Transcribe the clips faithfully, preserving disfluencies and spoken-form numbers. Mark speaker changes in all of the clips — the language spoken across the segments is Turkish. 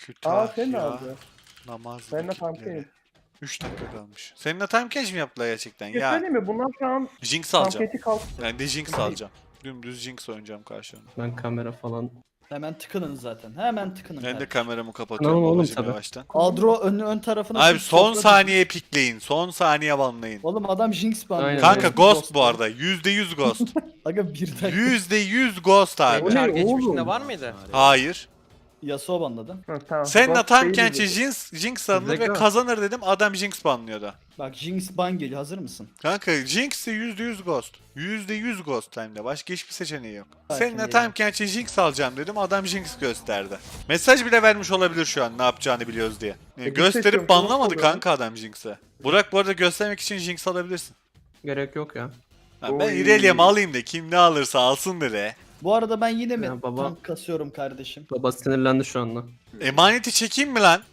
Speaker 1: Kötü
Speaker 2: Aa
Speaker 1: ah
Speaker 2: sen ne
Speaker 1: ya.
Speaker 2: aldı?
Speaker 1: Namaz
Speaker 2: Ben de
Speaker 1: vakitleri.
Speaker 2: pumpkin.
Speaker 1: üç dakika kalmış. Seninle time catch mi yaptılar gerçekten?
Speaker 2: Bir şey
Speaker 1: Ya
Speaker 2: söyleyeyim mi? Bunlar şu an
Speaker 1: Jinx alacağım.
Speaker 2: pankeci kalk.
Speaker 1: Ben de Jinx alacağım. Dümdüz Jinx oynayacağım karşılarına.
Speaker 3: Ben kamera falan.
Speaker 4: Hemen tıkının zaten. Hemen tıkının.
Speaker 1: Ben de
Speaker 4: kardeşim.
Speaker 1: kameramı kapatıyorum
Speaker 3: Tamam oğlum,
Speaker 1: babacım
Speaker 3: tabii.
Speaker 1: yavaştan.
Speaker 4: Adro ön, ön tarafına...
Speaker 1: Abi
Speaker 4: tut,
Speaker 1: son
Speaker 4: sofra
Speaker 1: saniye pikleyin. Son saniye banlayın.
Speaker 4: tut. Oğlum adam Jinx banlıyor.
Speaker 3: Aynen.
Speaker 1: Kanka
Speaker 3: Evet.
Speaker 1: Ghost bu arada. yüzde yüz Ghost.
Speaker 4: Aga bir dakika.
Speaker 1: yüzde yüz Ghost abi.
Speaker 2: O ne
Speaker 5: Çar geçmişinde
Speaker 2: oğlum?
Speaker 5: var mıydı?
Speaker 1: Hayır.
Speaker 4: Yasuo banladı.
Speaker 2: Hı, tamam.
Speaker 1: Seninle
Speaker 2: Ghost
Speaker 1: tam
Speaker 2: değil
Speaker 1: kençe
Speaker 2: dedi.
Speaker 1: Jinx, Jinx alınır ve
Speaker 3: Zeka.
Speaker 1: kazanır dedim. Adam Jinx banlıyordu.
Speaker 4: Bak Jinx ban geliyor. Hazır mısın?
Speaker 1: Kanka Jinx de yüzde yüz Ghost. yüzde yüz Ghost time'da. Başka hiçbir seçeneği yok.
Speaker 4: Sakin
Speaker 1: Seninle
Speaker 4: değilim.
Speaker 1: time kençe Jinx alacağım dedim. Adam Jinx gösterdi. Mesaj bile vermiş olabilir şu an ne yapacağını biliyoruz diye. Yani
Speaker 2: Peki
Speaker 1: gösterip
Speaker 2: seçiyorum,
Speaker 1: banlamadı
Speaker 2: Ghost
Speaker 1: kanka adam Jinx'e. Burak bu arada göstermek için Jinx alabilirsin.
Speaker 3: Gerek yok ya.
Speaker 1: Ha, ben
Speaker 2: Oy.
Speaker 1: İrelia'mı alayım da kim ne alırsa alsın dedi.
Speaker 4: Bu arada ben yine mi
Speaker 3: Ya baba-
Speaker 4: tank kasıyorum kardeşim?
Speaker 3: Baba sinirlendi şu anda.
Speaker 1: Emaneti çekeyim mi lan?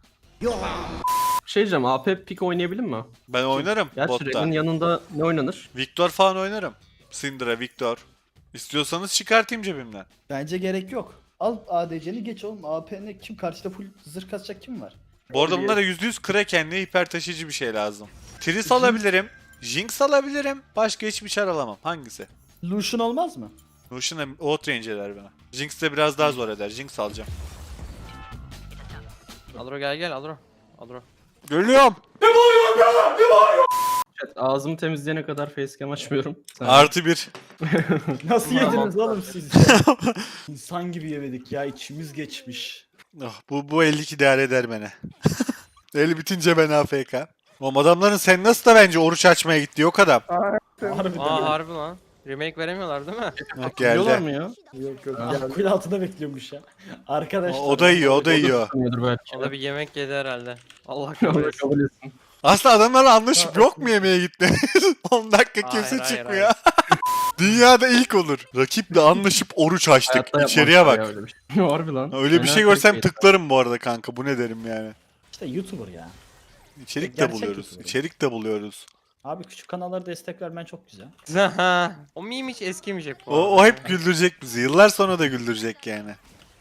Speaker 3: Şey diyeceğim, A P pick oynayabilir mi?
Speaker 1: Ben oynarım
Speaker 3: Gerçi
Speaker 1: botta.
Speaker 3: Ren'in yanında ne oynanır?
Speaker 1: Victor falan oynarım. Syndra, Victor. İstiyorsanız çıkartayım cebimden.
Speaker 4: Bence gerek yok. Al A D C'ni geç oğlum. A P'ne kim karşıda full zırh kasacak kim var?
Speaker 1: Bu arada
Speaker 2: Oy.
Speaker 1: bunlara yüzde yüz Kraken'li hiper taşıyıcı bir şey lazım. Tris alabilirim. Jinx alabilirim. Başka hiçbir çar alamam. Hangisi?
Speaker 4: Lucian olmaz mı?
Speaker 1: Lucian'a outrange eder bana. Jinx de biraz daha zor eder. Jinx alacağım.
Speaker 5: Adro gel gel Adro. Adro.
Speaker 1: Geliyorum.
Speaker 3: Evet, ağzımı temizleyene kadar facecam açmıyorum. Sen-
Speaker 1: Artı bir.
Speaker 4: Nasıl
Speaker 5: Tamam.
Speaker 4: yediniz oğlum siz? İnsan gibi yemedik ya. İçimiz geçmiş.
Speaker 1: Oh, bu, bu elli iki değer eder beni. El bitince ben A F K. Oğlum adamların sen nasıl da bence oruç açmaya gitti yok adam.
Speaker 2: Aa,
Speaker 4: Harbiden.
Speaker 5: Aa harbi lan. Remake veremiyorlar değil mi?
Speaker 1: Bak
Speaker 3: Biliyorlar
Speaker 1: geldi.
Speaker 3: mı ya?
Speaker 2: yok yok.
Speaker 3: Ha.
Speaker 2: geldi.
Speaker 4: Kul altında bekliyormuş ya. Arkadaşlar.
Speaker 1: O, o da yiyor, o da yiyor.
Speaker 3: Bilmiyordur belki.
Speaker 5: O da bir yemek yedi herhalde. Allah
Speaker 3: Allah
Speaker 5: kabul etsin.
Speaker 3: kabul etsin.
Speaker 1: Aslında adamlarla anlaşıp yok mu yemeğe gitti? on dakika
Speaker 5: Hayır,
Speaker 1: kimse
Speaker 5: hayır,
Speaker 1: çıkmıyor. Dünyada ilk olur. Rakiple anlaşıp oruç açtık.
Speaker 3: Hayatta
Speaker 1: İçeriye
Speaker 3: yapmazlar
Speaker 1: bak.
Speaker 3: ya öyle bir şey. Harbi lan.
Speaker 1: Öyle bir
Speaker 3: Fena
Speaker 1: şey görsem
Speaker 3: clickbait.
Speaker 1: tıklarım bu arada kanka. Bu ne derim yani.
Speaker 4: İşte YouTuber ya.
Speaker 1: İçerik de
Speaker 4: Gerçek
Speaker 1: buluyoruz.
Speaker 4: YouTuber.
Speaker 1: İçerik de buluyoruz.
Speaker 4: Abi küçük kanallara destek vermen çok güzel.
Speaker 5: O meme hiç eskimeyecek bu
Speaker 1: O,
Speaker 5: arada.
Speaker 1: o hep güldürecek bizi. Yıllar sonra da güldürecek yani.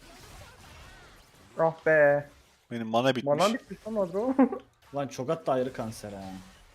Speaker 2: Ah be.
Speaker 1: Benim mana bitmiş.
Speaker 2: Bana bitmiş lan Adro.
Speaker 4: Lan Çogat da ayrı kanser ha.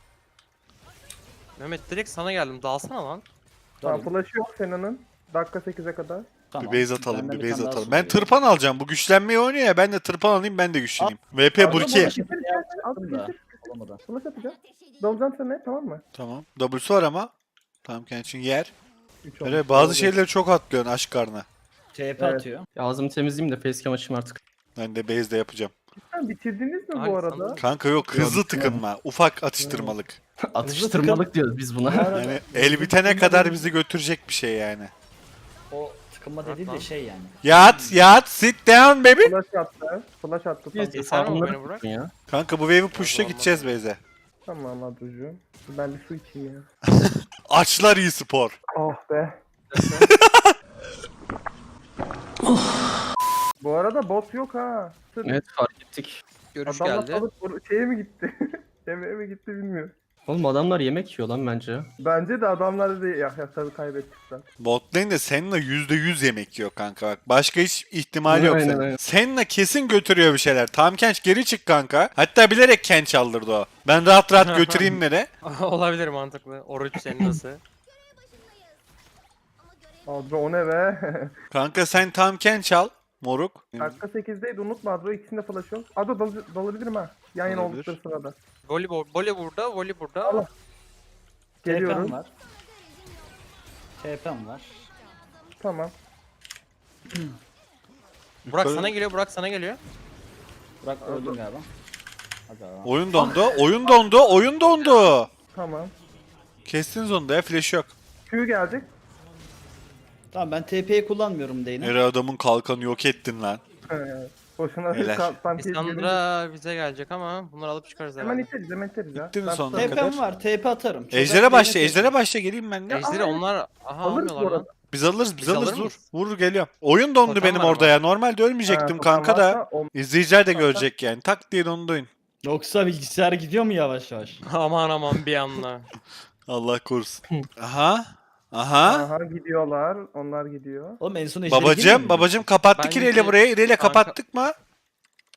Speaker 5: Mehmet direkt sana geldim. Dalsana lan.
Speaker 2: Tamam
Speaker 4: Tabii.
Speaker 2: flash'ı yok Sena'nın. Dakika sekize kadar.
Speaker 4: Tamam.
Speaker 1: Bir base atalım,
Speaker 4: Benden
Speaker 1: bir base
Speaker 4: tane daha
Speaker 1: atalım.
Speaker 4: su
Speaker 1: Ben
Speaker 4: veriyorum.
Speaker 1: tırpan alacağım. Bu güçlenmeyi oynuyor ya. Ben de tırpan alayım, ben de güçleneyim. V P
Speaker 4: Adro
Speaker 1: Burki.
Speaker 4: bana şimdi
Speaker 2: Getir,
Speaker 4: yaptım
Speaker 2: getir,
Speaker 4: da,
Speaker 2: getir.
Speaker 4: olamadı.
Speaker 2: Flash atacağım. Dalacağım sana tamam mı?
Speaker 1: Tamam. W'su var ama. Tamam kendin yer.
Speaker 2: üç
Speaker 1: Öyle
Speaker 2: olmuş.
Speaker 1: bazı
Speaker 2: Oldu.
Speaker 1: şeyleri çok atlıyorsun aşk karnına.
Speaker 4: T P
Speaker 2: Evet.
Speaker 4: atıyor.
Speaker 3: Ya ağzımı temizleyeyim de facecam açayım artık.
Speaker 1: Ben de base de yapacağım.
Speaker 2: Sen bitirdiniz mi
Speaker 5: Abi
Speaker 2: bu
Speaker 5: sana-
Speaker 2: arada?
Speaker 1: Kanka yok hızlı tıkınma. Ufak atıştırmalık.
Speaker 3: Atıştırmalık diyoruz biz buna.
Speaker 4: arada-
Speaker 1: Yani el bitene kadar bizi götürecek bir şey yani.
Speaker 4: O tıkınma dediği de şey yani.
Speaker 1: Yat yat sit down baby.
Speaker 2: Flash attı. Flash attı. Tamam,
Speaker 3: Biz
Speaker 5: Sen mi
Speaker 3: farmları
Speaker 5: beni bırak?
Speaker 3: tutun ya.
Speaker 1: Kanka bu wave'i push'ta
Speaker 5: Allah
Speaker 1: gideceğiz base'e.
Speaker 2: tamam Adro'cuğum. Ben bir su içeyim ya.
Speaker 1: Açlar iyi spor.
Speaker 2: Oh be. Bu arada bot yok ha. Sırf
Speaker 3: Evet fark ettik.
Speaker 5: Görüş
Speaker 2: adamlar
Speaker 5: geldi.
Speaker 2: alıp bur- şeye mi gitti? Yemeğe mi gitti bilmiyorum.
Speaker 3: Oğlum adamlar yemek yiyor lan bence.
Speaker 2: Bence de adamlar da ya, ya tabii kaybettikler.
Speaker 1: Bot lane de Senna yüzde yüz yemek yiyor kanka bak. Başka hiç ihtimal yok
Speaker 3: Aynen,
Speaker 1: senin.
Speaker 3: aynen.
Speaker 1: Senna kesin götürüyor bir şeyler. Tam Kench geri çık kanka. Hatta bilerek Kench aldırdı o. Ben rahat rahat götüreyim nereye?
Speaker 5: Olabilir mantıklı. Oruç senin nasıl?
Speaker 2: Adro o ne be?
Speaker 1: Kanka sen tam Kench al. Moruk.
Speaker 2: Dakika sekizdeydi unutma Adro ikisinde flash yok. Adro dal dalabilirim ha. Yan yana
Speaker 1: Olabilir.
Speaker 2: oldukları sırada.
Speaker 5: Volley, volley burada, volley burada.
Speaker 2: Allah. Geliyorum.
Speaker 4: T P'm var. T P'm var.
Speaker 2: Tamam.
Speaker 5: Burak
Speaker 1: Yukarı-
Speaker 5: sana geliyor, Burak sana geliyor.
Speaker 4: Burak öldüm galiba. Hadi abi.
Speaker 1: Oyun dondu. Oyun dondu. Oyun dondu.
Speaker 2: Tamam.
Speaker 1: Kestiniz onu da ya. Flash yok.
Speaker 2: Q gelecek.
Speaker 4: Tamam ben T P'yi kullanmıyorum Deyne.
Speaker 1: Her adamın kalkanı yok ettin lan.
Speaker 2: Ee, Boşuna
Speaker 1: Helal.
Speaker 2: ka- tam keyif yedim.
Speaker 5: Lissandra bize gelecek ama bunları alıp çıkarız
Speaker 2: Hemen
Speaker 5: herhalde.
Speaker 2: iteriz hemen iteriz ya.
Speaker 1: Bittiniz
Speaker 2: Ben
Speaker 1: sonuna
Speaker 2: tutarım.
Speaker 1: kadar.
Speaker 4: T P'm var. T P atarım. Çogat
Speaker 1: Ejder'e başla.
Speaker 4: Deyne
Speaker 1: Ejder'e başla. Geleyim ben de.
Speaker 5: Ejderi
Speaker 2: Aa,
Speaker 5: onlar... Aha
Speaker 2: alırız
Speaker 5: almıyorlar
Speaker 2: bu
Speaker 5: lan.
Speaker 2: arada.
Speaker 1: Biz alırız. Biz
Speaker 5: Biz
Speaker 1: alırız.
Speaker 5: alır
Speaker 1: Dur.
Speaker 5: mıyız?
Speaker 1: Vurur geliyor. Oyun dondu
Speaker 5: Totem
Speaker 1: benim
Speaker 5: var
Speaker 1: orada
Speaker 5: ama.
Speaker 1: ya. Normalde ölmeyecektim
Speaker 2: Ha,
Speaker 1: kanka
Speaker 2: totem
Speaker 1: da.
Speaker 2: varsa o-
Speaker 1: İzleyiciler de
Speaker 2: Totem.
Speaker 1: görecek yani. Tak diye dondu oyun.
Speaker 4: Yoksa bilgisayar gidiyor mu yavaş yavaş?
Speaker 5: Aman aman bir anda.
Speaker 1: Allah korusun. Aha. Aha.
Speaker 2: Aha gidiyorlar. Onlar gidiyor.
Speaker 4: Oğlum en son Ejder'e girmiyor
Speaker 1: Babacım,
Speaker 4: muydu?
Speaker 1: babacım kapattık
Speaker 5: Bence
Speaker 1: İreyle burayı. İreyle
Speaker 5: kanka-
Speaker 1: kapattık mı?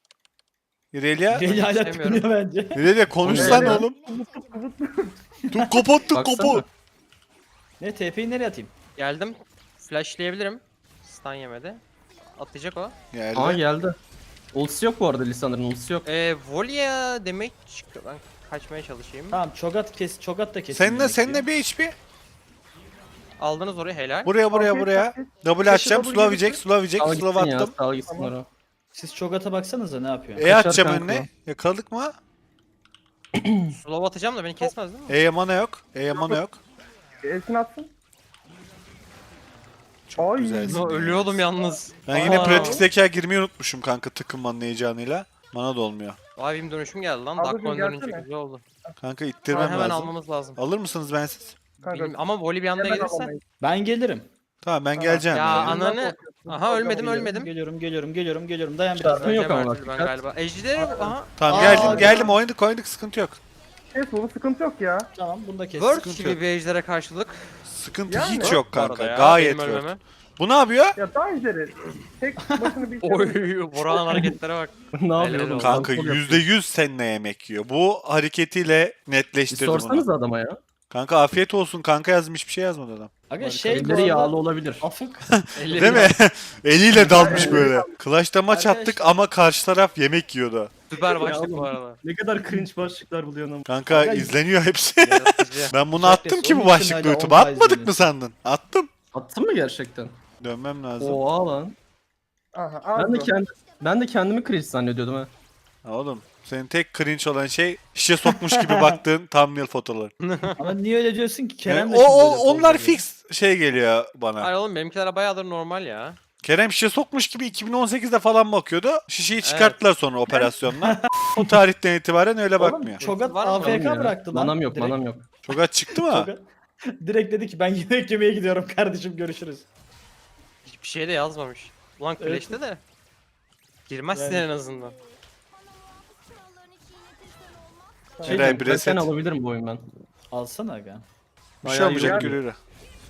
Speaker 1: İrelia.
Speaker 4: Gel hala
Speaker 5: istemiyorum.
Speaker 4: tıkınıyor bence.
Speaker 1: İrelia konuşsan
Speaker 2: İrelia.
Speaker 1: oğlum. Tuk kapat tuk
Speaker 3: Baksana.
Speaker 1: kapat.
Speaker 4: Ne T P'yi nereye atayım?
Speaker 5: Geldim. Flashlayabilirim. Stun yemedi. Atacak o.
Speaker 1: Geldi.
Speaker 3: Aa geldi. Ultisi yok bu arada Lissandra'nın ultisi yok.
Speaker 5: Ee, Volya damage çıktı. Ben kaçmaya çalışayım.
Speaker 4: Tamam Çogat kes, Çogat da kesin.
Speaker 1: Seninle
Speaker 4: yemek
Speaker 1: seninle
Speaker 4: yiyor.
Speaker 1: bir H P.
Speaker 5: Aldınız orayı helal.
Speaker 1: Buraya buraya
Speaker 2: Okey,
Speaker 1: buraya.
Speaker 2: okey.
Speaker 1: Double atacağım.
Speaker 2: double
Speaker 1: Slow
Speaker 2: gelirse-
Speaker 1: yiyecek. Slow yiyecek.
Speaker 3: Sağ
Speaker 1: Slow
Speaker 3: gitsin ya,
Speaker 1: attım.
Speaker 3: sağ gitsin
Speaker 2: Tamam.
Speaker 3: oraya.
Speaker 4: Siz Çogat'a baksanıza ne yapıyor?
Speaker 1: E
Speaker 3: Kaçar
Speaker 1: atacağım
Speaker 3: kanka
Speaker 1: önüne. Yakaladık mı?
Speaker 5: Slow atacağım da beni kesmez değil mi?
Speaker 1: E'ye mana yok. E'ye mana yok.
Speaker 2: Elsin atsın.
Speaker 1: Çok
Speaker 2: Ay.
Speaker 1: güzelsin.
Speaker 5: No, ölüyordum yalnız.
Speaker 1: Ben yine
Speaker 5: Aa.
Speaker 1: pratik zeka girmeyi unutmuşum kanka takım manlayacağınıyla. Mana da olmuyor.
Speaker 5: Abim dönüşüm geldi lan.
Speaker 2: Ablacım
Speaker 5: Dakika dönünce
Speaker 2: gelsene.
Speaker 5: güzel oldu.
Speaker 1: Kanka
Speaker 5: Tamam,
Speaker 1: ittirmem
Speaker 5: hemen
Speaker 1: lazım.
Speaker 5: almamız lazım.
Speaker 1: Alır mısınız bensiz?
Speaker 2: Kanka.
Speaker 5: Bilmi- Ama Voli bir anda
Speaker 2: hemen
Speaker 5: gelirse.
Speaker 2: alamayız.
Speaker 4: Ben gelirim.
Speaker 1: Tamam ben
Speaker 2: Tamam.
Speaker 1: geleceğim.
Speaker 5: Ya
Speaker 1: ya.
Speaker 5: ana- Ananı- Aha ölmedim
Speaker 4: Geliyorum,
Speaker 5: ölmedim.
Speaker 4: Geliyorum, geliyorum, geliyorum, geliyorum. Dayan biraz.
Speaker 3: Şartın yok
Speaker 5: Öleceğim
Speaker 3: ama
Speaker 5: her türlü
Speaker 3: bak,
Speaker 5: ben
Speaker 3: dikkat.
Speaker 5: galiba. Ejder aha.
Speaker 1: Tamam
Speaker 4: Aa,
Speaker 1: geldim
Speaker 4: ya.
Speaker 1: geldim oynadık oynadık sıkıntı yok.
Speaker 2: Kes bunu sıkıntı yok ya.
Speaker 4: Tamam, bunu da kes.
Speaker 5: Word
Speaker 1: sıkıntı
Speaker 5: gibi
Speaker 1: yok.
Speaker 5: bir ejdere karşılık.
Speaker 1: Sıkıntı
Speaker 2: Yani.
Speaker 1: hiç yok
Speaker 5: Bu arada
Speaker 1: kanka.
Speaker 5: ya,
Speaker 1: Gayet
Speaker 5: benim
Speaker 1: yok.
Speaker 5: ölmeme.
Speaker 1: Bu ne yapıyor?
Speaker 2: Ya daha üzeri. Tek başını bir
Speaker 5: Oy Burak'ın hareketlere bak.
Speaker 3: Ne yapıyor
Speaker 5: Helal
Speaker 3: oğlum?
Speaker 5: olsun.
Speaker 1: Kanka
Speaker 3: Kontrol
Speaker 1: yüzde
Speaker 3: yapıyor.
Speaker 1: yüz seninle yemek yiyor. Bu hareketiyle
Speaker 3: Bir
Speaker 1: netleştirdi
Speaker 3: sorsanız
Speaker 1: bunu.
Speaker 3: adama ya.
Speaker 1: Kanka afiyet olsun kanka yazmış bir şey yazmadı adam.
Speaker 4: Aga şey bu
Speaker 3: Elleri
Speaker 4: arada
Speaker 3: yağlı olabilir.
Speaker 4: afık.
Speaker 5: Elleri
Speaker 1: Değil mi? Eliyle dalmış böyle. Clash'ta maç
Speaker 4: Arkadaşlar-
Speaker 1: attık ama karşı taraf yemek yiyordu.
Speaker 5: Süper başlık
Speaker 3: oğlum.
Speaker 5: bu arada.
Speaker 3: Ne kadar cringe başlıklar buluyorsun ama.
Speaker 1: Kanka
Speaker 4: Aga-
Speaker 1: izleniyor hepsi.
Speaker 5: Yaratıcı.
Speaker 1: Ben bunu
Speaker 4: Şarkısı,
Speaker 1: attım ki
Speaker 4: onun
Speaker 1: bu
Speaker 4: için
Speaker 1: başlıklı
Speaker 4: hala
Speaker 1: YouTube'a.
Speaker 4: on
Speaker 1: Atmadık mı
Speaker 4: izleniyor.
Speaker 1: sandın? Attım.
Speaker 3: Attın mı gerçekten?
Speaker 1: Dönmem lazım.
Speaker 3: Oha lan.
Speaker 2: Aha
Speaker 3: Ben de
Speaker 2: aldı.
Speaker 3: kendi ben de kendimi cringe zannediyordum ha.
Speaker 1: Ha Oğlum senin tek cringe olan şey şişe sokmuş gibi baktığın thumbnail fotoğrafları.
Speaker 4: Ama niye öyle diyorsun ki? Kerem
Speaker 1: Yani
Speaker 4: de
Speaker 1: o,
Speaker 4: şimdi
Speaker 1: o
Speaker 4: öyle
Speaker 1: onlar
Speaker 4: poz veriyor.
Speaker 1: fix şey geliyor bana.
Speaker 5: Hayır oğlum benimkiler bayağıdır normal ya.
Speaker 1: Kerem şişe sokmuş gibi iki bin on sekizde falan bakıyordu. Şişeyi çıkarttılar sonra operasyonla. O tarihten itibaren öyle
Speaker 4: Oğlum
Speaker 1: bakmıyor.
Speaker 4: Çogat
Speaker 5: Var mı?
Speaker 4: A F
Speaker 3: Oğlum
Speaker 4: K
Speaker 3: ya.
Speaker 4: bıraktı lan.
Speaker 3: Manam yok,
Speaker 4: Direkt-
Speaker 3: manam yok.
Speaker 1: Çok aç çıktı mı?
Speaker 4: Çogat- Direkt dedi ki ben yemek yemeye gidiyorum kardeşim görüşürüz.
Speaker 5: Hiçbir şey de yazmamış. Ulan
Speaker 4: Evet.
Speaker 5: Clash'te de. Girmezsin
Speaker 4: Yani.
Speaker 5: en azından.
Speaker 3: Şey
Speaker 1: Eray,
Speaker 3: diyeyim,
Speaker 1: bir
Speaker 3: kaç tane
Speaker 1: reset.
Speaker 3: alabilirim bu oyun ben?
Speaker 4: Alsana aga.
Speaker 1: Bir şey
Speaker 3: Bayağı
Speaker 1: olmayacak
Speaker 3: iyi oldu.
Speaker 1: yürü.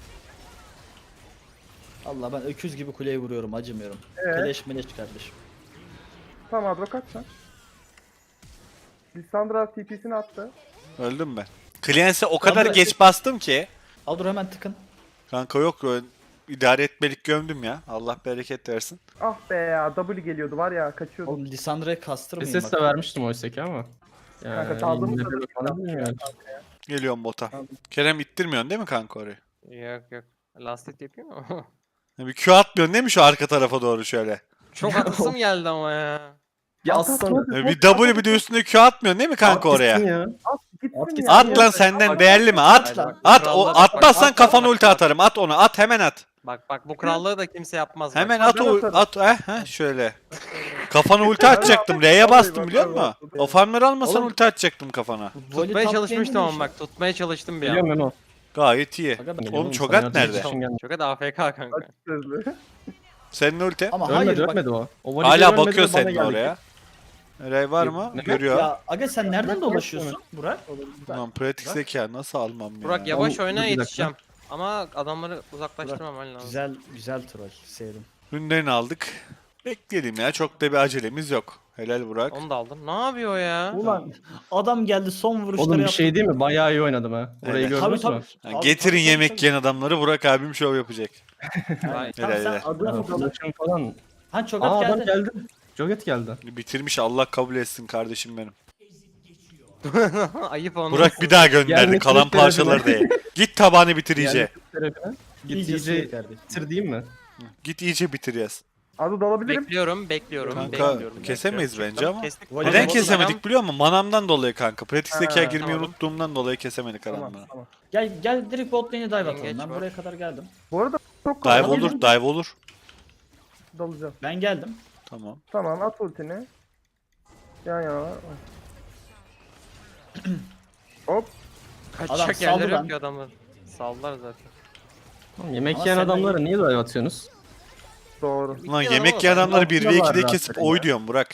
Speaker 4: Allah ben öküz gibi kuleye vuruyorum acımıyorum.
Speaker 2: Evet.
Speaker 4: Keleş meleş kardeşim.
Speaker 2: Tamam Adro kaç sen? Lissandra T P'sini attı.
Speaker 1: Öldüm ben. Cleance'e o kadar
Speaker 4: Abi-
Speaker 1: geç bastım ki.
Speaker 4: Al dur hemen tıkın.
Speaker 1: Kanka yok ö- idare etmelik gömdüm ya. Allah bereket versin.
Speaker 2: Ah be ya W geliyordu var ya kaçıyordu.
Speaker 4: Oğlum Lisandra'ya kastırmayın
Speaker 3: S S de
Speaker 4: bak.
Speaker 3: vermiştim oysa ki ama.
Speaker 2: Kanka çaldığımız
Speaker 3: yine de
Speaker 2: sırada
Speaker 3: falan bilmiyorum.
Speaker 1: Geliyorum bota.
Speaker 2: Tamam.
Speaker 1: Kerem ittirmiyorsun değil mi kanka orayı?
Speaker 5: Yok yok. Last hit yapayım mı?
Speaker 1: Bir Q atmıyorsun değil mi şu arka tarafa doğru şöyle?
Speaker 5: Çok haklısım geldi ama ya.
Speaker 3: Ya
Speaker 2: At, at,
Speaker 3: aslan.
Speaker 2: at.
Speaker 1: Bir W bir de üstüne Q atmıyorsun değil mi kanka oraya?
Speaker 3: Artistin ya.
Speaker 2: At gitsin
Speaker 3: At
Speaker 2: ya.
Speaker 3: gitsin.
Speaker 1: At lan senden değerli mi? At.
Speaker 4: lan.
Speaker 1: At o
Speaker 5: Krallığa bak,
Speaker 1: atmazsan
Speaker 5: bak,
Speaker 1: kafana
Speaker 5: bak,
Speaker 1: ulti
Speaker 5: bak.
Speaker 1: atarım. At onu. At hemen at.
Speaker 5: Bak bak bu krallığı da kimse yapmaz. bak.
Speaker 1: Hemen at
Speaker 2: ben
Speaker 1: o
Speaker 2: atarım.
Speaker 1: at eh, heh, şöyle. Kafana ulti atacaktım. R'ye bastım biliyor musun? O farmları almasan
Speaker 4: Oğlum-
Speaker 1: ulti atacaktım kafana.
Speaker 4: Voli
Speaker 5: Tutmaya
Speaker 4: top
Speaker 5: çalışmıştım
Speaker 4: lane'de
Speaker 5: ama bak tutmaya çalıştım bir
Speaker 3: Biliyorum
Speaker 5: an.
Speaker 3: Memo.
Speaker 1: Gayet iyi.
Speaker 4: Aga ben-
Speaker 1: Oğlum Çogat
Speaker 3: sana
Speaker 1: nerede?
Speaker 3: yardım için geldim.
Speaker 5: Çok da A F K kanka.
Speaker 2: Açık sözlü.
Speaker 1: Senin ulti.
Speaker 4: Ama
Speaker 3: Ölmedi
Speaker 4: hayır bak.
Speaker 3: ölmedi o. o voleybol
Speaker 1: Hala
Speaker 3: ölmedi
Speaker 1: bakıyor
Speaker 3: ve bana
Speaker 1: senin
Speaker 3: geldi.
Speaker 1: oraya. Eray var mı?
Speaker 3: Ne-
Speaker 1: Görüyor.
Speaker 4: Ya aga sen nereden dolaşıyorsun Burak?
Speaker 1: Ulan pratik zeka nasıl almam ya?
Speaker 5: Burak yavaş
Speaker 3: Oğlum,
Speaker 5: oyna
Speaker 3: dur bir dakika.
Speaker 5: yetişeceğim. Ama adamları uzaklaştırmaman lazım.
Speaker 4: Güzel güzel troll sevdim.
Speaker 1: Ürünlerini aldık. Bekleyelim ya. Çok da bir acelemiz yok. Helal Burak.
Speaker 5: Onu da aldım. Ne yapıyor ya?
Speaker 4: Ulan adam geldi son vuruşları
Speaker 3: Oğlum bir
Speaker 4: yaptı.
Speaker 3: şey değil mi? Bayağı iyi oynadım ha. Orayı
Speaker 1: Evet.
Speaker 3: gördünüz
Speaker 4: Tabii
Speaker 3: mü?
Speaker 4: tabii.
Speaker 1: Yani
Speaker 4: Abi,
Speaker 1: getirin
Speaker 4: tabii,
Speaker 1: yemek
Speaker 4: tabii.
Speaker 1: yiyen adamları Burak abim şov yapacak.
Speaker 5: Vay.
Speaker 4: Tamam
Speaker 1: Helal
Speaker 4: sen
Speaker 1: helal.
Speaker 4: adına fotoğraf.
Speaker 3: Konuşum falan.
Speaker 4: Ha Çogat
Speaker 3: Aa adam
Speaker 4: geldi.
Speaker 3: geldi. Joget geldi.
Speaker 1: Bitirmiş Allah kabul etsin kardeşim benim.
Speaker 5: Ayıp onu.
Speaker 1: Burak bir daha gönderdi
Speaker 3: Gelmesini
Speaker 1: kalan
Speaker 3: isterim.
Speaker 1: parçaları değil. Git tabanı bitir iyice.
Speaker 3: Yani tarafına. Git
Speaker 4: İyice
Speaker 3: iyice
Speaker 4: iyice kardeşim.
Speaker 3: bitir diyeyim mi?
Speaker 1: Git iyice bitir yaz.
Speaker 2: Adı dalabilirim.
Speaker 5: Bekliyorum, bekliyorum,
Speaker 1: Kanka
Speaker 5: bekliyorum.
Speaker 1: kesemeyiz
Speaker 5: bekliyorum.
Speaker 1: bence ama.
Speaker 5: Kestik.
Speaker 4: Neden
Speaker 1: Neden
Speaker 4: Voley-
Speaker 1: kesemedik biliyor musun? Manamdan dolayı kanka. Pratik
Speaker 2: Ha,
Speaker 1: zeka girmeyi
Speaker 5: tamam.
Speaker 1: unuttuğumdan dolayı kesemedik
Speaker 2: Tamam
Speaker 1: adamları.
Speaker 2: tamam.
Speaker 4: Gel gel direkt bot lane'e dive atalım.
Speaker 5: Geç
Speaker 4: Ben
Speaker 5: var.
Speaker 4: buraya kadar geldim.
Speaker 2: Bu arada çok
Speaker 1: Dive
Speaker 2: kolay.
Speaker 1: olur, dive olur.
Speaker 2: Dalacağım.
Speaker 4: Ben geldim.
Speaker 1: Tamam.
Speaker 2: Tamam at ultini. Yan yana. Hop.
Speaker 5: Kaçacak
Speaker 4: Adam saldı
Speaker 5: yerleri
Speaker 4: lan.
Speaker 5: yok ki adamlar. Saldılar zaten.
Speaker 3: Oğlum, yemek
Speaker 4: Ama
Speaker 3: yiyen
Speaker 4: sen-
Speaker 3: adamlara niye dive atıyorsunuz?
Speaker 2: Doğru.
Speaker 1: Lan
Speaker 5: Bir
Speaker 1: yemek
Speaker 5: adam
Speaker 1: yiyen
Speaker 5: var.
Speaker 1: adamları bir ve
Speaker 3: Yapıyorlar
Speaker 1: ikide
Speaker 3: zaten
Speaker 1: kesip
Speaker 3: ya.
Speaker 1: oy diyorum Burak.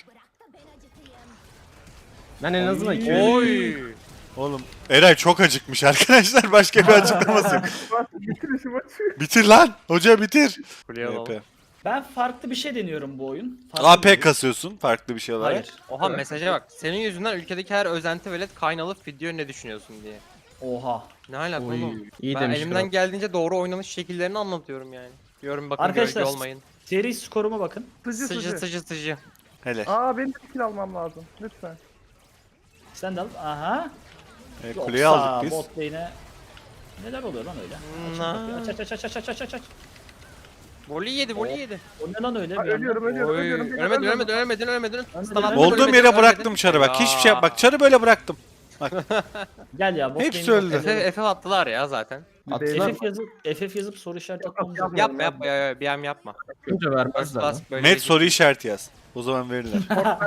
Speaker 3: Ben en azından
Speaker 4: Oy.
Speaker 3: iki
Speaker 5: Oy.
Speaker 1: Oğlum Eray çok acıkmış arkadaşlar. Başka bir açıklaması yok.
Speaker 2: Bak bitir işi maçı.
Speaker 1: Bitir lan. Hoca bitir.
Speaker 5: Kuleye alalım.
Speaker 1: V P.
Speaker 4: Ben farklı bir şey deniyorum bu oyun. Farklı
Speaker 1: A P
Speaker 4: bir oyun.
Speaker 1: kasıyorsun farklı bir şey olarak.
Speaker 4: Hayır.
Speaker 5: Oha mesaja bak. Senin yüzünden ülkedeki her özenti velet kaynalı video ne düşünüyorsun diye.
Speaker 4: Oha.
Speaker 5: Ne alaka
Speaker 3: Oy,
Speaker 5: oğlum?
Speaker 3: iyi
Speaker 5: Ben
Speaker 3: demiş
Speaker 5: elimden
Speaker 3: kral.
Speaker 5: geldiğince doğru oynanış şekillerini anlatıyorum yani. Diyorum bakın
Speaker 4: Arkadaşlar,
Speaker 5: gölge olmayın.
Speaker 4: Seri skoruma bakın.
Speaker 2: Sıcı
Speaker 5: Sıcı
Speaker 2: sıcı.
Speaker 5: sıcı sıcı.
Speaker 1: Hele.
Speaker 2: Aa benim de bir kill almam lazım. Lütfen.
Speaker 4: Sen de al. Aha.
Speaker 1: E,
Speaker 4: Yoksa
Speaker 1: kuleyi aldık biz.
Speaker 4: bot lane'e neler oluyor lan öyle? Aç
Speaker 5: Na.
Speaker 4: kapıyı, Aç aç aç aç aç aç aç aç.
Speaker 5: Voley yedi, voley yedi.
Speaker 4: O ne lan öyle?
Speaker 2: Aa,
Speaker 4: bir anda?
Speaker 2: ölüyorum ölüyorum
Speaker 5: Oy,
Speaker 2: ölüyorum.
Speaker 5: ölmedin, ölmedin, ölmedin, ölmedin.
Speaker 4: Ben de
Speaker 5: Stun attım,
Speaker 4: ölmedim.
Speaker 1: Olduğum
Speaker 5: ölmedin,
Speaker 1: yere
Speaker 5: ölmedin.
Speaker 1: bıraktım çarı bak. Hiçbir şey yap. Bak çarı böyle bıraktım.
Speaker 4: Gel ya bot
Speaker 1: Hepsi
Speaker 4: lane'i
Speaker 1: öldü.
Speaker 4: bot
Speaker 5: F
Speaker 4: lane'i.
Speaker 5: F attılar ya zaten.
Speaker 3: Attılar.
Speaker 4: F F yazıp F F yazıp soru işareti atmamız lazım.
Speaker 5: Yapma yapma ya, ya, bir an yapma.
Speaker 3: Önce
Speaker 5: First
Speaker 3: vermezler lan.
Speaker 5: class böyle
Speaker 1: Met
Speaker 5: değil.
Speaker 1: soru işareti yaz. O zaman verirler.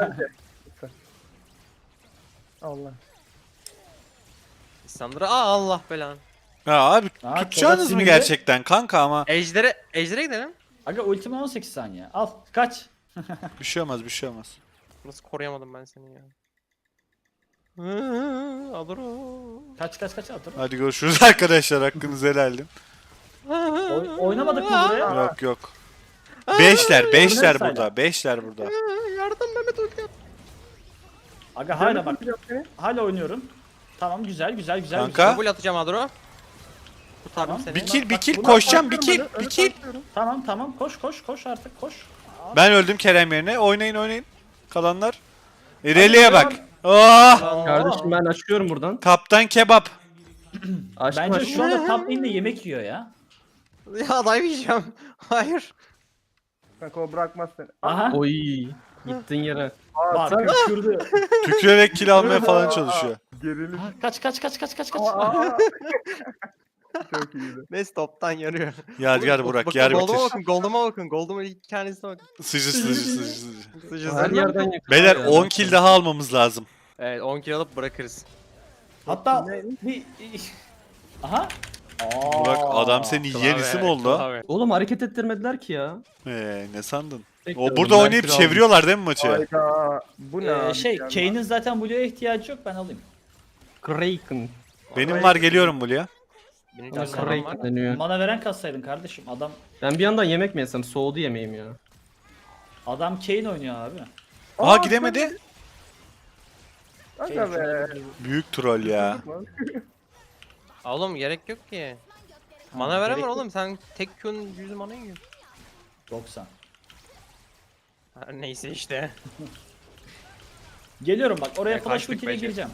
Speaker 2: Allah.
Speaker 5: İslamlara aa Allah belanı.
Speaker 1: Ya abi
Speaker 4: Ha,
Speaker 1: tutacağınız mı
Speaker 4: sinirli.
Speaker 1: gerçekten kanka ama
Speaker 5: Ejder'e, Ejder'e gidelim.
Speaker 4: Aga ultime on sekiz saniye. Al kaç.
Speaker 1: bir şey olmaz bir şey olmaz.
Speaker 5: Nasıl koruyamadım ben seni ya. Alır o.
Speaker 4: Kaç kaç kaç atır.
Speaker 1: Hadi görüşürüz arkadaşlar. Hakkınızı helal edin.
Speaker 4: Oy, oynamadık mı buraya?
Speaker 1: Yok yok. Beşler, beşler
Speaker 4: Sayla.
Speaker 1: burada. Beşler burada.
Speaker 5: Yardım Mehmet ulti yap.
Speaker 4: Aga hala bak.
Speaker 2: Yok seni.
Speaker 4: Hala oynuyorum. Tamam güzel güzel güzel.
Speaker 1: Kanka.
Speaker 4: güzel.
Speaker 5: Double atacağım Adro. Kurtardım
Speaker 4: Tamam.
Speaker 5: seni.
Speaker 1: Bir kill, bir
Speaker 4: bak,
Speaker 1: kill
Speaker 4: buna
Speaker 1: koşacağım. Bir kill,
Speaker 2: Önü
Speaker 1: bir kill.
Speaker 2: tanklıyorum.
Speaker 4: Tamam tamam koş koş koş artık koş.
Speaker 1: Ben öldüm Kerem yerine. Oynayın oynayın. Kalanlar. İreli'ye bak. Oh!
Speaker 3: Kardeşim ben açıyorum buradan.
Speaker 1: Kaptan kebap.
Speaker 3: Açtım
Speaker 4: Bence
Speaker 3: açtım.
Speaker 4: şu anda top lane'de yemek yiyor ya.
Speaker 5: Ya dive yiyeceğim. Hayır.
Speaker 2: Kanka o bırakmaz seni.
Speaker 4: Aha.
Speaker 3: Oy. Gittin yere.
Speaker 4: Bak kükürdü.
Speaker 1: Tükürerek kill almaya falan çalışıyor.
Speaker 2: Gerilim.
Speaker 4: Ha, Kaç kaç kaç kaç kaç kaç.
Speaker 2: Aa. Çok iyiydi.
Speaker 5: Neyse toptan yarıyor.
Speaker 1: Yadigar Burak
Speaker 5: Bakın,
Speaker 1: yer
Speaker 5: Gold'uma
Speaker 1: bitir.
Speaker 5: bakın, Gold'uma bakın. Gold'uma iki tanesine bakın.
Speaker 1: Sıcı sıcı sıcı sıcı.
Speaker 5: Sıcı
Speaker 3: Her
Speaker 5: sıcı.
Speaker 3: yerden yakıyor.
Speaker 1: Beyler
Speaker 3: ya.
Speaker 1: on kill daha almamız lazım.
Speaker 5: Evet on kill alıp bırakırız.
Speaker 4: Hatta bir... Aha. Aa.
Speaker 1: Burak adam senin yiyen isim oldu.
Speaker 5: Klavye.
Speaker 3: Oğlum hareket ettirmediler ki ya.
Speaker 1: Ee, ne sandın?
Speaker 3: Bekliyorum,
Speaker 1: O burada
Speaker 3: ben
Speaker 1: oynayıp
Speaker 3: kür aldım.
Speaker 1: çeviriyorlar değil mi maçı?
Speaker 2: Hayda. Bu ne
Speaker 4: Ee,
Speaker 2: abi
Speaker 4: şey
Speaker 2: ya?
Speaker 4: Kane'in zaten Blue'ya ihtiyacı yok ben alayım.
Speaker 3: Kraken.
Speaker 1: Benim var geliyorum buraya.
Speaker 5: Benim
Speaker 4: Ya,
Speaker 5: gözüm var.
Speaker 3: Kraken deniyor.
Speaker 4: Mana veren kassaydın kardeşim. Adam
Speaker 3: Ben bir yandan yemek mi yesem? Soğudu yemeğim ya.
Speaker 4: adam Kane oynuyor abi.
Speaker 1: Aa
Speaker 2: Aa,
Speaker 1: gidemedi.
Speaker 2: Aga be.
Speaker 1: Büyük troll ya.
Speaker 5: Aa, Oğlum gerek yok ki.
Speaker 4: Ha,
Speaker 5: Mana veren
Speaker 4: gerek
Speaker 5: var
Speaker 4: yok.
Speaker 5: oğlum sen tek Q'nun yüz mana yiyor.
Speaker 4: doksan.
Speaker 5: Ha, neyse işte.
Speaker 4: Geliyorum bak oraya
Speaker 5: Ya,
Speaker 4: flash
Speaker 5: kaçtık
Speaker 4: ultiyle
Speaker 5: bence.
Speaker 4: gireceğim.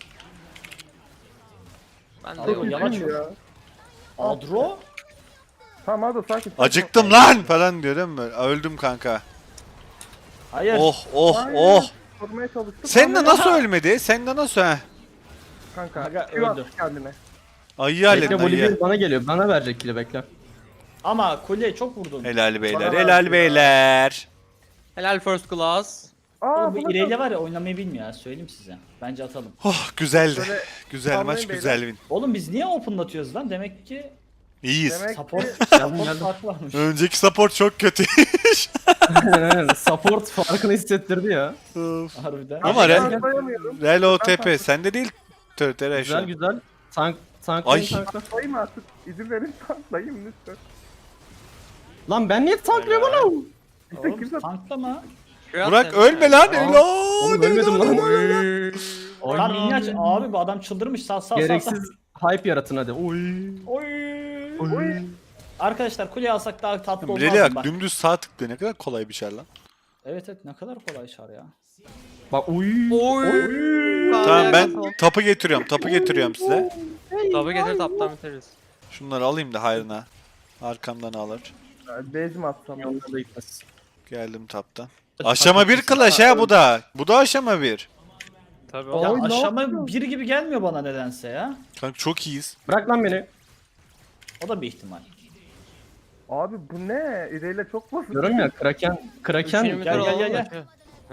Speaker 5: Ben de
Speaker 4: Abi,
Speaker 5: yok.
Speaker 4: yavaş
Speaker 2: Kim
Speaker 4: ol.
Speaker 2: ya?
Speaker 4: Adro.
Speaker 2: Tamam hadi sakin. sakin.
Speaker 1: Acıktım lan falan diyor değil mi? Aa, öldüm kanka.
Speaker 4: Hayır.
Speaker 1: Oh oh
Speaker 2: Hayır.
Speaker 1: oh.
Speaker 2: Korumaya çalıştım.
Speaker 1: Sen de
Speaker 2: Ama-
Speaker 1: nasıl ölmedi? Sen de nasıl ha?
Speaker 2: Kanka.
Speaker 4: Aga,
Speaker 2: Q attı
Speaker 4: öldü.
Speaker 2: kendine.
Speaker 1: Ayı halledin
Speaker 3: Bekle
Speaker 1: ayı.
Speaker 3: Bolivya bana geliyor. Bana verecek kili bekle.
Speaker 4: Ama kuleye çok vurdun.
Speaker 1: Helal beyler,
Speaker 2: Bana
Speaker 1: helal
Speaker 2: verdi
Speaker 1: beyler.
Speaker 5: Helal first class.
Speaker 2: Aa
Speaker 4: Oğlum bu
Speaker 2: bu
Speaker 4: İrelia var ya oynamayı bilmiyor ya söyleyeyim size. Bence atalım.
Speaker 1: Oh güzeldi.
Speaker 2: Böyle
Speaker 1: Güzel
Speaker 2: sallayın
Speaker 1: maç,
Speaker 2: beyler.
Speaker 1: güzel win.
Speaker 4: Oğlum biz niye open'latıyoruz lan? Demek ki
Speaker 1: İyiyiz.
Speaker 2: Demek
Speaker 4: support,
Speaker 2: ki
Speaker 3: Geldim
Speaker 4: support
Speaker 3: geldim.
Speaker 4: farkı varmış.
Speaker 1: Önceki support çok kötü.
Speaker 3: Support farkını hissettirdi ya.
Speaker 1: Of.
Speaker 4: Harbiden.
Speaker 1: Ama
Speaker 2: ben
Speaker 1: Real-
Speaker 2: atlayamıyorum.
Speaker 1: Real O T P sende değil. Törtere şu
Speaker 3: Güzel
Speaker 1: an.
Speaker 3: güzel. Tank tank
Speaker 1: Ay.
Speaker 3: tankla.
Speaker 2: Atlayayım artık. İzin verin atlayayım lütfen.
Speaker 3: Lan ben niye tanklıyorum lan?
Speaker 2: İşte
Speaker 4: Oğlum
Speaker 2: kimse
Speaker 4: tanklama.
Speaker 5: Q at
Speaker 1: Burak
Speaker 5: sen.
Speaker 1: ölme lan.
Speaker 3: Aa,
Speaker 1: Helal.
Speaker 3: Oğlum ölmedim lan.
Speaker 4: Tamam inni aç. Abi bu adam çıldırmış. Sal sal sal. sal.
Speaker 3: Gereksiz hype yaratın hadi. Oy.
Speaker 4: Oy.
Speaker 2: Oy.
Speaker 4: Arkadaşlar kuleye alsak daha tatlı olmaz
Speaker 1: Reli
Speaker 4: mı?
Speaker 1: bak
Speaker 4: Bak.
Speaker 1: dümdüz sağ tıklıyor. Ne kadar kolay bir şey lan.
Speaker 4: Evet evet ne kadar kolay şar ya.
Speaker 3: Bak oy.
Speaker 5: Oy.
Speaker 1: Tamam ben tapı getiriyorum. Tapı getiriyorum size.
Speaker 5: Tabi getir taptan bitiririz.
Speaker 1: Şunları alayım da hayrına. Arkamdan alır.
Speaker 2: Base mi atsam?
Speaker 3: Yanına da gitmez.
Speaker 1: Geldim taptan. Aşama bir kılaş ha bu da. Bu da aşama bir.
Speaker 5: Tabi
Speaker 4: Ya
Speaker 5: oğlum.
Speaker 2: Oy, ne
Speaker 4: aşama
Speaker 2: yapıyorsun?
Speaker 4: bir gibi gelmiyor bana nedense ya.
Speaker 1: Kanka çok iyiyiz.
Speaker 3: Bırak lan beni.
Speaker 4: O da bir ihtimal.
Speaker 2: Abi bu ne? İreyle çok basit.
Speaker 3: Diyorum ya Kraken Kraken
Speaker 5: Üçünü
Speaker 4: gel,
Speaker 5: bitir
Speaker 4: gel,
Speaker 5: oğlum.
Speaker 4: gel, gel.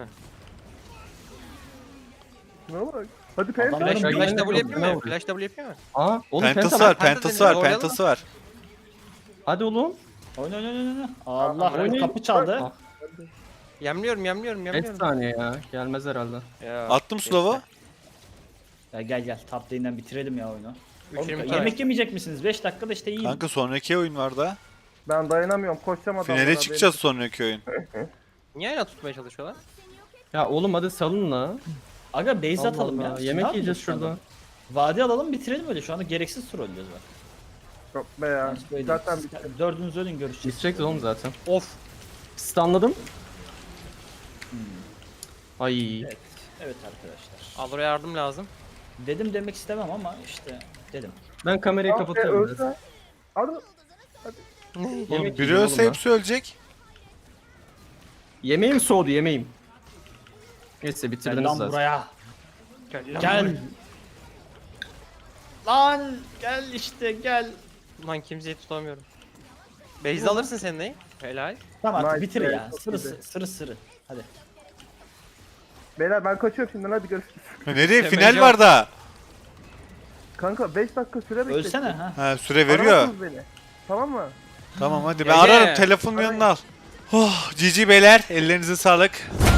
Speaker 2: Şuna bak. Hadi
Speaker 4: Adam
Speaker 2: penta.
Speaker 5: Flash,
Speaker 3: Flash
Speaker 5: flash
Speaker 3: W
Speaker 5: W
Speaker 3: yapıyor
Speaker 5: yapıyor mu?
Speaker 3: mu?
Speaker 5: Flash W yapıyor mu?
Speaker 3: Aa oğlum
Speaker 1: Pentası
Speaker 3: penta
Speaker 1: var,
Speaker 3: var.
Speaker 1: pentası var,
Speaker 5: Oynayalım.
Speaker 1: pentası var.
Speaker 3: Hadi oğlum.
Speaker 4: Oyna oyna oyna oyna. Allah
Speaker 3: Oynayın.
Speaker 4: kapı çaldı.
Speaker 3: Ah.
Speaker 5: Yemliyorum yemliyorum
Speaker 3: beş
Speaker 5: yemliyorum.
Speaker 3: saniye ya. Gelmez herhalde.
Speaker 5: Ya,
Speaker 1: Attım slow'u.
Speaker 4: Ya gel gel top lane'den bitirelim ya oyunu. Oğlum,
Speaker 5: Üçünü bitir.
Speaker 4: yemek yemeyecek misiniz? beş dakikada işte yiyin.
Speaker 1: Kanka sonraki oyun var da.
Speaker 2: Ben dayanamıyorum. Koşacağım adamlara.
Speaker 1: Finale çıkacağız sonraki oyun.
Speaker 5: Niye ayna tutmaya çalışıyorlar?
Speaker 3: Ya oğlum hadi salın la.
Speaker 4: Aga base
Speaker 3: Allah
Speaker 4: atalım
Speaker 3: Allah,
Speaker 4: ya.
Speaker 3: yemek
Speaker 4: Ne
Speaker 3: yiyeceğiz
Speaker 4: yapıyoruz şu anda?
Speaker 3: şurada.
Speaker 4: Vadi alalım bitirelim öyle. Şu anda gereksiz trollüyoruz bak.
Speaker 2: Yok be ya.
Speaker 4: Yani böyle
Speaker 2: Zaten
Speaker 4: siz-
Speaker 2: bitti.
Speaker 4: dördünüz ölün görüşeceğiz.
Speaker 3: Bitecek oğlum zaten.
Speaker 5: Of.
Speaker 3: Stunladım. Ay.
Speaker 4: Evet. Evet arkadaşlar.
Speaker 5: Alor'a yardım lazım.
Speaker 4: Dedim demek istemem ama işte dedim.
Speaker 3: Ben kamerayı
Speaker 2: Ah be,
Speaker 3: kapatıyorum. biraz.
Speaker 2: ölse. Ado.
Speaker 3: Yemek
Speaker 1: Oğlum biri
Speaker 3: yiyeceğim
Speaker 1: ölse
Speaker 3: oğlum
Speaker 1: hepsi ölecek.
Speaker 3: Yemeğim soğudu yemeğim. Neyse
Speaker 4: Gel
Speaker 3: bitirdiniz
Speaker 4: lan
Speaker 3: zaten.
Speaker 4: buraya.
Speaker 5: Gel. lan
Speaker 4: Gel. Lan gel işte gel.
Speaker 5: buraya. Lan kimseyi tutamıyorum. Beyzi alırsın sen neyi? Helal.
Speaker 4: Tamam artık
Speaker 2: Nice,
Speaker 4: bitir
Speaker 2: evet,
Speaker 4: ya.
Speaker 2: çok
Speaker 4: Sırı
Speaker 2: iyiydi.
Speaker 4: sırı sırı sırı. Hadi.
Speaker 2: Beyler ben kaçıyorum şimdi, hadi görüşürüz.
Speaker 1: Ha, nereye?
Speaker 5: Temel
Speaker 1: Final
Speaker 5: yok.
Speaker 1: var daha.
Speaker 2: Kanka beş dakika süre bekle.
Speaker 4: Ölsene ha.
Speaker 1: Ha, süre veriyor.
Speaker 2: Aramazsınız beni. Tamam mı?
Speaker 1: Tamam hadi ben
Speaker 5: Ege.
Speaker 1: ararım, telefonun yanına al. Oh, G G beyler, ellerinize sağlık.